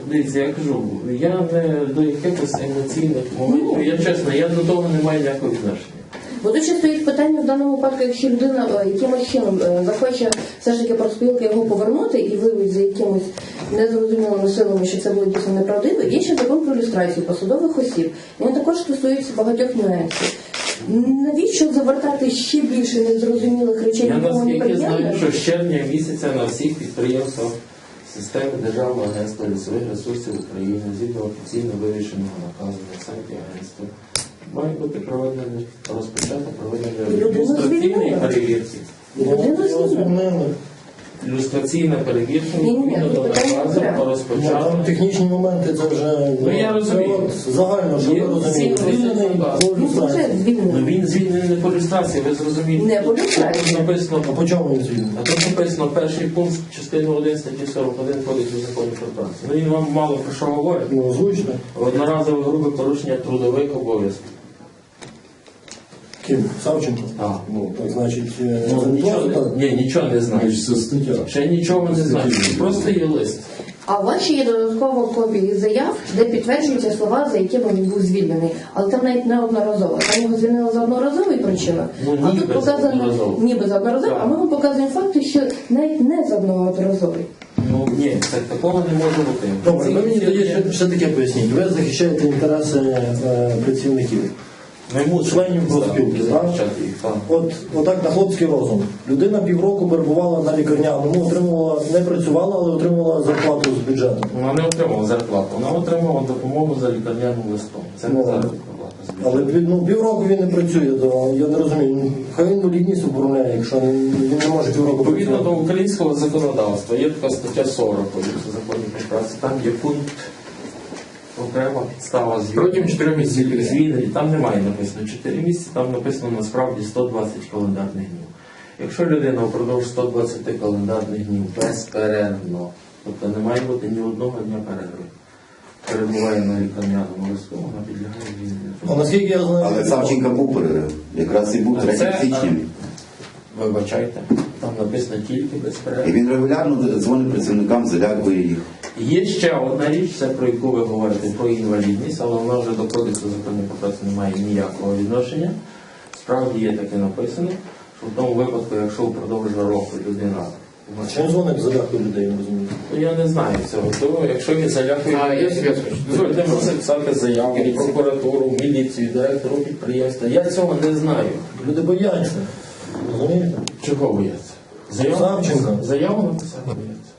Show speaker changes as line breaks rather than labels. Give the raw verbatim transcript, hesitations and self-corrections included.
дивіться, я кажу, я не до якихось емоційних моментів, я чесно, я до того не маю ніякого відношення.
Бо тут ще стоїть питання в даному випадку, якщо людина якимось чином захоче все ж таки профспілки його повернути і виявить за якимось незрозумілими силами, що це було дійсно неправдиво, є ще закон про люстрацію посадових осіб. Він також стосується багатьох нюансів. Навіщо завертати ще більше незрозумілих речей?
Я наскільки знаю, що з червня місяця на всіх підприємствах системи Державного агентства лісових ресурсів України згідно офіційно вирішеного наказу на сайті агентства має бути проведено, розпочато проведення ілюстраційної перевірки. Ілюстраційна перевірка відповідно до наказу розпочато.
Там технічні моменти, це вже
ну, я розумію.
Загально, що ви розумієте.
Ну, він звільнений не по люстрації, ви зрозумієте.
Не по люстрації.
Тут написано,
а по чому він звільнений?
А тут написано перший пункт частини один статті сорок один Кодексу законів про працю. Ну він вам мало про що говорить.
Ну, озвучно.
Одноразове грубе порушення трудових обов'язків.
Ким? Савченко?
Так.
Ну, так значить,
ну, нічого,
так?
Ні, нічого не знаю. Ще нічого не знаю. Просто є лист.
А у вас ще є додаткова копія заяв, де підтверджуються слова, за якими він був звільнений. Але там навіть не одноразово. Там його звільнили за одноразовий причиною,
ну,
а тут показано ніби за одноразовий, а ми вам показуємо факти, що навіть не за одноразовий.
Ну ні, так, такого не може бути.
Добре, ви мені тоді ще, ще таке поясніть. Ви захищаєте інтереси е, працівників. Членів профспілки, так? От, отак на хлопський розум. Людина півроку перебувала на лікарняному, отримувала, не працювала, але отримувала зарплату з бюджету.
Вона не отримала зарплату, вона отримала допомогу за лікарняним листом. Це не заробітна плата з бюджету.
Але ну, півроку він не працює, то я не розумію. Хай він інвалідність оформляє, якщо він не може півроку працювати.
Відповідно до українського законодавства є така стаття сорок Кодексу законів про працю, там є пункт окрема підстава
протягом чотирьох місяців
звільнення. Там немає написано чотири місяці, там написано насправді сто двадцять календарних днів. Якщо людина впродовж сто двадцять календарних днів безперервно, тобто не має бути ні одного дня перерви, перебуває на лікарняному листу, вона підлягає звільненню.
А наскільки я знаю,
але Савченка був перерив. Якраз і був третього січня.
Вибачайте, там написано тільки безперервно.
І він регулярно дзвонить працівникам, залякує їх.
Є ще одна річ, це про яку ви говорите, про інвалідність, але вона вже до Кодексу законів про працю не має ніякого відношення. Справді є таке написано, що в тому випадку, якщо впродовж року людина...
Чим дзвонить залякує людей, я розумію?
Ну я не знаю цього, то якщо він залякує...
А, я себе скажу.
Дозвольте мені писати заяву в прокуратуру, в міліцію, директору підприємства. Я цього не знаю.
Люди бояться. Розумієте?
Чого бояться? Заяву,
Савченка.
заяву написати бояться.